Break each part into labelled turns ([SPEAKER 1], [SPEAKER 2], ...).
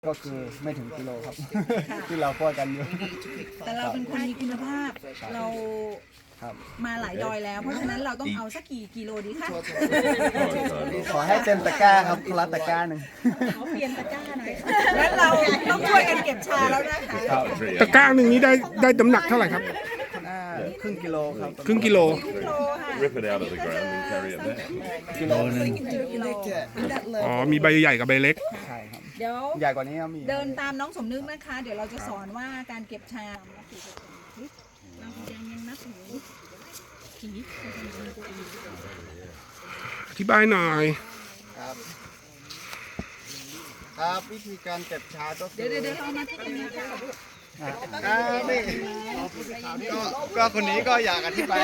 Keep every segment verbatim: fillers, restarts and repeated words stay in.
[SPEAKER 1] ก็คือไม่ถึงกิโลครับ ที่เราพูดกันอยู่
[SPEAKER 2] แต่เราเป็นคนมีคุณภาพเรา
[SPEAKER 1] ครับ
[SPEAKER 2] มาหลายดอยแล้ว เพราะฉะนั้นเราต้องเอาสักกี่กิโลดีคะ
[SPEAKER 1] ขอให้เต็มตะกร้าครับคนละตะกร้าหนึ่ง
[SPEAKER 2] เขาเปลี่ยนตะกร้าหน่อยงั้นเราต้องช่วยกันเก็บชาแล้วนะคะ
[SPEAKER 3] ตะกร้าหนึ่งนี้ได้ได้น้ำหนักเท่าไหร่ครับ
[SPEAKER 1] อ่าครึ่งกิโลครับ
[SPEAKER 3] ครึ่งกิโล
[SPEAKER 2] กิโลค่ะ
[SPEAKER 4] Rip it out of the ground and carry it there.
[SPEAKER 1] กิโลหนึง
[SPEAKER 2] กิโล
[SPEAKER 3] อ๋อ มีใบใหญ่กับใบเล็ก
[SPEAKER 1] ใช่ครับ
[SPEAKER 2] เดี๋ยว
[SPEAKER 1] ใหญ่กว่านี้ก็มี
[SPEAKER 2] เดินตามน้องสมนึกนะคะ เดี๋ยวเราจะสอนว่าการเก็บชาเรายังยังนับถือผี
[SPEAKER 3] อธิบายหน่อย
[SPEAKER 1] ครับครับวิธีการเก็บชาก็คื
[SPEAKER 2] เดี๋ยวเดี๋ยวเดี๋ยวเรามาที่ตรงนี้ค่ะ
[SPEAKER 1] อ่าอ่าไม่ก็ก็คนนี้ก็อยากอธิบาย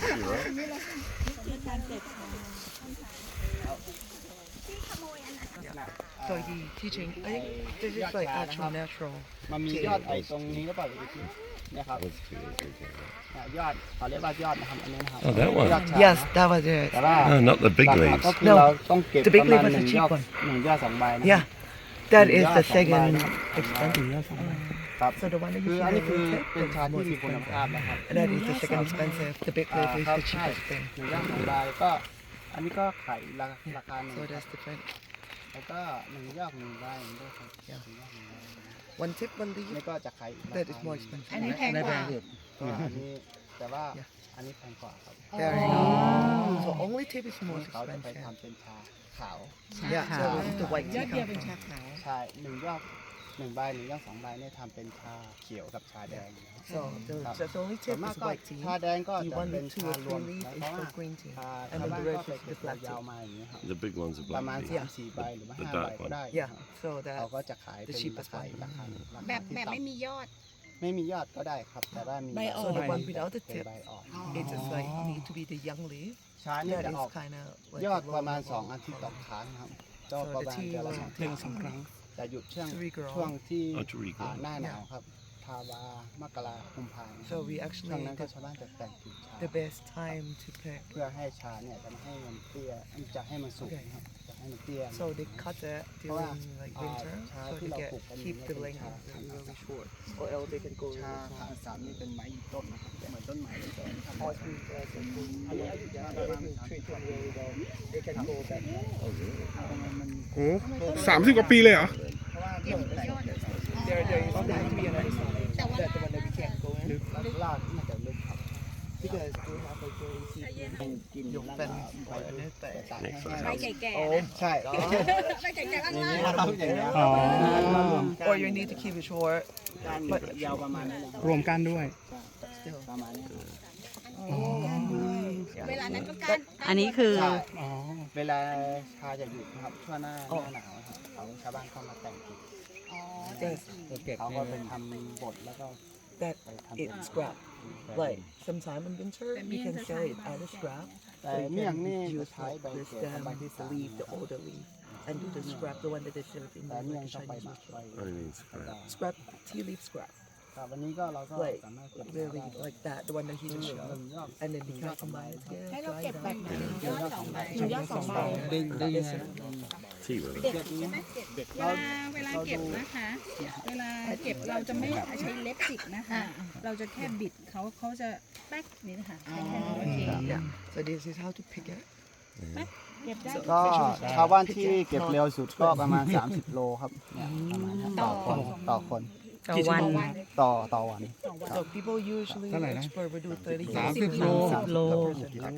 [SPEAKER 5] So the teaching, I think this is like actual natural.
[SPEAKER 1] มันมียอดไอ้ตรงนี้ก็เปล่าอยู่ที่เนี่ยครับเนี่ยยอดเขาเรียกว่ายอดนะครับอันนี้นะครับ
[SPEAKER 4] Oh, that one.
[SPEAKER 1] ยอดชา
[SPEAKER 5] Yes, that was it.
[SPEAKER 1] แต่ว่า
[SPEAKER 4] No, not the big
[SPEAKER 1] หลัก
[SPEAKER 4] leaves.
[SPEAKER 1] ๆก็คือ
[SPEAKER 5] No,
[SPEAKER 1] เราต้องเก็บ
[SPEAKER 5] the
[SPEAKER 1] ป
[SPEAKER 5] big
[SPEAKER 1] ระมาณ
[SPEAKER 5] leaf was
[SPEAKER 1] ห
[SPEAKER 5] the
[SPEAKER 1] นึ่ง
[SPEAKER 5] cheap
[SPEAKER 1] ยอด
[SPEAKER 5] one.
[SPEAKER 1] หนึ่งยอดสองใบนะ
[SPEAKER 5] Yeah, that is
[SPEAKER 1] Yeah,
[SPEAKER 5] the
[SPEAKER 1] song by
[SPEAKER 5] second
[SPEAKER 1] now.
[SPEAKER 5] expensive.
[SPEAKER 1] ครับ
[SPEAKER 5] So the one that
[SPEAKER 1] คื
[SPEAKER 5] you
[SPEAKER 1] ออัน
[SPEAKER 5] see
[SPEAKER 1] นี้
[SPEAKER 5] on
[SPEAKER 1] คือ
[SPEAKER 5] the
[SPEAKER 1] เป็น
[SPEAKER 5] tip
[SPEAKER 1] ชา
[SPEAKER 5] is
[SPEAKER 1] ที่
[SPEAKER 5] most
[SPEAKER 1] มีคุณภาพ
[SPEAKER 5] expensive.
[SPEAKER 1] นะครับ
[SPEAKER 5] And that is the second expensive. The big
[SPEAKER 1] อ่า
[SPEAKER 5] leaf is
[SPEAKER 1] ครับ
[SPEAKER 5] the
[SPEAKER 1] ใช่
[SPEAKER 5] cheapest thing.
[SPEAKER 1] หนึ่งยอดสองใบก็อันนี้ก็ขายราคาราคาหนึ่ง
[SPEAKER 5] So
[SPEAKER 1] ครับ
[SPEAKER 5] that's different.
[SPEAKER 1] แล้วก็หนึ่งยอดหนึ่งใบหนึ่งยอดครับหนึ่งยอดหนึ่งใบ
[SPEAKER 5] One tip, one
[SPEAKER 1] นี่
[SPEAKER 5] leaf.
[SPEAKER 1] ก็จะขายอีกรา
[SPEAKER 5] That
[SPEAKER 1] คา
[SPEAKER 5] is
[SPEAKER 1] ห
[SPEAKER 5] more
[SPEAKER 1] นึ่ง
[SPEAKER 5] expensive.
[SPEAKER 2] อันนี้แพงกว่า
[SPEAKER 1] ก็อันนี้แต่ว่าอันนี้แพงกว่าครับ
[SPEAKER 5] There you go. So only tip is
[SPEAKER 1] นี่
[SPEAKER 5] most
[SPEAKER 1] เขาจะไป
[SPEAKER 5] expensive.
[SPEAKER 1] ทำเป็นชาขาว
[SPEAKER 5] Yeah, so it's the white
[SPEAKER 2] ยอ
[SPEAKER 5] tea
[SPEAKER 2] ดเดียวเป็น
[SPEAKER 5] come
[SPEAKER 2] ชา
[SPEAKER 5] from.
[SPEAKER 2] ขาว
[SPEAKER 1] ใช่หนึ่งยอดหนึ่งใบหนึ่งยอดสองใบเนี่ยทำเป็นชาเขียวกับชาแดงนะครับ
[SPEAKER 5] So the, the the only
[SPEAKER 1] ส่วน
[SPEAKER 5] tip
[SPEAKER 1] มาก
[SPEAKER 5] is
[SPEAKER 1] ก็
[SPEAKER 5] white tea.
[SPEAKER 1] ชาแดงก็
[SPEAKER 5] The
[SPEAKER 1] จะ
[SPEAKER 5] one
[SPEAKER 1] เป็น
[SPEAKER 5] with two
[SPEAKER 1] ชา
[SPEAKER 5] or
[SPEAKER 1] รวม
[SPEAKER 5] three leaf
[SPEAKER 1] นะ
[SPEAKER 5] is
[SPEAKER 1] เพราะว่า
[SPEAKER 5] for green tea.
[SPEAKER 1] ชา
[SPEAKER 5] And
[SPEAKER 1] ชาว
[SPEAKER 5] then
[SPEAKER 1] บ้าน
[SPEAKER 5] the
[SPEAKER 1] ก็
[SPEAKER 5] rest
[SPEAKER 1] ไป
[SPEAKER 5] is
[SPEAKER 1] เก็
[SPEAKER 5] the
[SPEAKER 1] บ
[SPEAKER 5] black
[SPEAKER 1] ยาว
[SPEAKER 5] tea.
[SPEAKER 1] มาอย่างนี้ยครับ
[SPEAKER 4] The big ones are
[SPEAKER 1] ประมาณ
[SPEAKER 4] black
[SPEAKER 1] สาม
[SPEAKER 4] leaves.
[SPEAKER 1] สี่ใบหรือว่า
[SPEAKER 4] The
[SPEAKER 1] ห้าใบ
[SPEAKER 4] dark
[SPEAKER 1] ก็
[SPEAKER 4] one.
[SPEAKER 1] ได้
[SPEAKER 5] Yeah, so
[SPEAKER 1] เขา
[SPEAKER 5] that
[SPEAKER 1] ก็จะขายเป็น
[SPEAKER 5] cheapest
[SPEAKER 1] ราคา
[SPEAKER 5] one.
[SPEAKER 1] ราคารา
[SPEAKER 2] แบ
[SPEAKER 1] คา
[SPEAKER 2] บ
[SPEAKER 1] ที่
[SPEAKER 2] แบบ
[SPEAKER 1] ต่
[SPEAKER 2] ไม่มียอด
[SPEAKER 1] ำไม่มียอดก็ได้ครับ แต่ว่ามี
[SPEAKER 2] ใบอ่อน
[SPEAKER 5] So the one without the
[SPEAKER 1] เป็น
[SPEAKER 5] tip,
[SPEAKER 1] ใบอ่อน
[SPEAKER 5] it just like need to be the young leaf.
[SPEAKER 1] ชาเนี่ย
[SPEAKER 5] That
[SPEAKER 1] จะ
[SPEAKER 5] is
[SPEAKER 1] ออก
[SPEAKER 5] kind of
[SPEAKER 1] ย
[SPEAKER 5] like
[SPEAKER 1] อด
[SPEAKER 5] a
[SPEAKER 1] ประมาณ
[SPEAKER 5] low
[SPEAKER 1] สอง
[SPEAKER 5] level
[SPEAKER 1] อาทิตย์ต่อ
[SPEAKER 5] color.
[SPEAKER 1] ครั้งครับก็
[SPEAKER 5] So
[SPEAKER 1] ประ
[SPEAKER 5] the
[SPEAKER 1] มาณ
[SPEAKER 5] tea
[SPEAKER 1] เดือนละ
[SPEAKER 5] will
[SPEAKER 1] สอง
[SPEAKER 5] take
[SPEAKER 1] ครั้ง
[SPEAKER 5] some time
[SPEAKER 1] จะหยุดช่วง
[SPEAKER 5] to regrow.
[SPEAKER 1] ช่วงที่
[SPEAKER 4] Oh, to regrow.
[SPEAKER 1] อ่าหน้าหนาวครับทาวามกราคุมภาพันธ์
[SPEAKER 5] So we
[SPEAKER 1] ช่วง
[SPEAKER 5] actually
[SPEAKER 1] นั้นก็
[SPEAKER 5] the,
[SPEAKER 1] ชาวบ้านจะแต่งกิ่งชา
[SPEAKER 5] the best time to pick.
[SPEAKER 1] เพื่อให้ชาเนี่ยจะไม่ให้มันเตี้ยจะให้มันสุกนะครับจะให้มันเตี้ย
[SPEAKER 5] So they cut it during like winter,
[SPEAKER 1] Ah,
[SPEAKER 5] so they
[SPEAKER 1] chá
[SPEAKER 5] get
[SPEAKER 1] ที่เราปลูกกัน
[SPEAKER 5] keep the
[SPEAKER 1] เนี่ย
[SPEAKER 5] length
[SPEAKER 1] เป็นชา
[SPEAKER 5] really really short, or else they can go
[SPEAKER 1] ชา
[SPEAKER 5] really
[SPEAKER 1] ขาว
[SPEAKER 5] long.
[SPEAKER 1] สามนี่เป็นไม้ยืนต้นนะครับเหมือนต้นไม้เลยแต่ทำ
[SPEAKER 5] Or if you like, if you-
[SPEAKER 1] อันนี้อายุยาวประมาณสามสิบกว่าปี
[SPEAKER 5] they can go back.
[SPEAKER 1] มัน
[SPEAKER 3] โอ้สามสิบกว่าปีเลยเหรอ
[SPEAKER 1] เพราะว่าเรื่องแต่ง
[SPEAKER 5] There there is going to be another side. That the one that we can't go in
[SPEAKER 1] ลากน่าจะลึกครับ
[SPEAKER 5] because they have like very easy
[SPEAKER 1] กิน
[SPEAKER 5] ยก
[SPEAKER 1] แล้ว
[SPEAKER 5] เป็น
[SPEAKER 1] ไป
[SPEAKER 5] อันนี้แต่
[SPEAKER 1] ตากให้แห้ง
[SPEAKER 2] ใบแก่ๆ
[SPEAKER 5] โอ้
[SPEAKER 2] นะ
[SPEAKER 1] ใช่
[SPEAKER 2] ใบแก่ๆข้าง
[SPEAKER 1] อย่าง
[SPEAKER 2] ล่าง
[SPEAKER 1] นี้นะครับอย่างนี้
[SPEAKER 3] อ๋อ
[SPEAKER 5] or you need to keep it short
[SPEAKER 1] การยาวประมาณนี้นะครับ
[SPEAKER 3] รวมกันด้วย
[SPEAKER 1] ประมาณนี้
[SPEAKER 2] เวลานั้นก็การ
[SPEAKER 6] อันนี้คือ
[SPEAKER 1] ใช่
[SPEAKER 3] อ๋อ
[SPEAKER 1] เวลาชาจะหยุดนะครับช่วงหน้าหน้าหนาวนะครับเขาชาวบ้านเข้ามาแต่งกิ่ง
[SPEAKER 5] yes
[SPEAKER 1] เขาก็ไปทำบทแล้วก็
[SPEAKER 5] that
[SPEAKER 1] ไปทำเป็น
[SPEAKER 5] it's scrap like sometime in winter you can sell it as a scrap
[SPEAKER 1] แต่
[SPEAKER 5] so you
[SPEAKER 1] เมี่ยง
[SPEAKER 5] can
[SPEAKER 1] นี่จะ
[SPEAKER 5] use
[SPEAKER 1] ใช้
[SPEAKER 5] like
[SPEAKER 1] ใบ
[SPEAKER 5] the
[SPEAKER 1] เขียวกับ
[SPEAKER 5] stem
[SPEAKER 1] ใบที่
[SPEAKER 5] the
[SPEAKER 1] สาม
[SPEAKER 5] leaf the older leaf and do the scrap the one that they showed in
[SPEAKER 1] แต่
[SPEAKER 5] the
[SPEAKER 1] เมี่ยง
[SPEAKER 5] like,
[SPEAKER 1] ต้องไปห
[SPEAKER 5] Chinese
[SPEAKER 1] มัก
[SPEAKER 5] restaurant
[SPEAKER 1] ไว้
[SPEAKER 4] I mean, scrap.
[SPEAKER 5] scrap tea leaf scrap
[SPEAKER 1] ครับวันนี้ก็เราก็
[SPEAKER 5] like
[SPEAKER 1] สามารถเก็บ
[SPEAKER 5] really
[SPEAKER 1] ได้
[SPEAKER 5] like that the one that he just
[SPEAKER 1] หนึ่
[SPEAKER 5] showed
[SPEAKER 1] งยอด
[SPEAKER 5] and then you can combine it
[SPEAKER 2] ให้
[SPEAKER 5] together
[SPEAKER 2] เรา
[SPEAKER 5] dry
[SPEAKER 2] เก็บ
[SPEAKER 5] it
[SPEAKER 2] แบบ
[SPEAKER 5] out
[SPEAKER 2] ไหนยอดสองใบหนึ่งยอดสองใบ
[SPEAKER 1] ดึงดึง
[SPEAKER 4] Tea room.
[SPEAKER 2] เด็กใช่ไหมเด็กเวลาเวลาเก็บนะคะ เวลาเก็บเราจะไม่ใช้เล็บจิกนะคะ เราจะแค่บิดเขาเขาจะแป๊กนี่นะคะแค่แค่นี้โอเค
[SPEAKER 5] yeah so this is how to pick it
[SPEAKER 2] เก็บได้
[SPEAKER 1] ก็ชาวบ้านที่เก็บเร็วสุดก็ประมาณ สามสิบ โลครับเนี่ยประมาณนั้นต่อคนต่อคน
[SPEAKER 6] ต่อวัน
[SPEAKER 1] ต่อต่อวัน
[SPEAKER 5] so people usually expert will do thirty
[SPEAKER 3] สามสิบโล
[SPEAKER 5] kilograms per person.